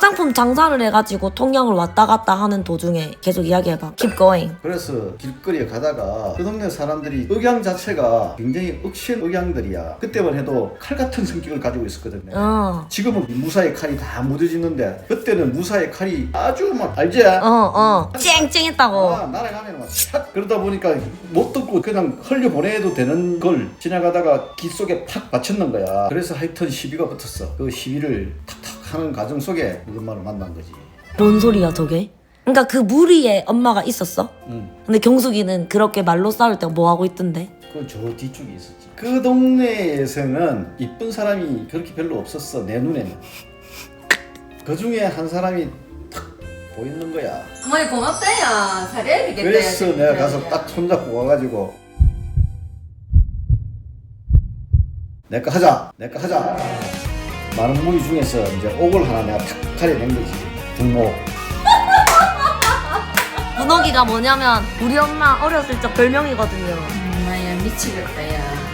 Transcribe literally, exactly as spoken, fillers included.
화장품 장사를 해가지고 통영을 왔다 갔다 하는 도중에 계속 이야기해봐. Keep going. 그래서 길거리에 가다가 그 동네 사람들이 억양 자체가 굉장히 억신 억양들이야. 그때만 해도 칼 같은 성격을 가지고 있었거든요. 어. 지금은 무사히 칼이 다 묻어지는데 그때는 무사히 칼이 아주 막 알지? 어, 어. 쨍쨍했다고. 아, 날아가면 막 샷! 그러다 보니까 못 듣고 그냥 흘려보내도 되는 걸 지나가다가 귀 속에 팍 맞췄는 거야. 그래서 하여튼 시비가 붙었어. 그 시비를 탁탁 하는 과정 속에 우리 엄마를 만난 거지. 뭔 소리야 저게? 그러니까 그 무리에 엄마가 있었어? 응. 근데 경숙이는 그렇게 말로 싸울 때 뭐 하고 있던데? 그 저 뒤쪽에 있었지. 그 동네에서는 이쁜 사람이 그렇게 별로 없었어. 내 눈에는. 그 중에 한 사람이 탁 보이는 거야. 어머니 고맙다야. 잘해야 되겠다. 그래서 내가 가서 딱 손잡고 와가지고 내거 하자, 내거 하자. 많은 무리 중에서 이제 옥을 하나 내가 탁 가려낸 거지. 분모. 문옥이가 뭐냐면 우리 엄마 어렸을 적 별명이거든요. 엄마야 미치겠다야.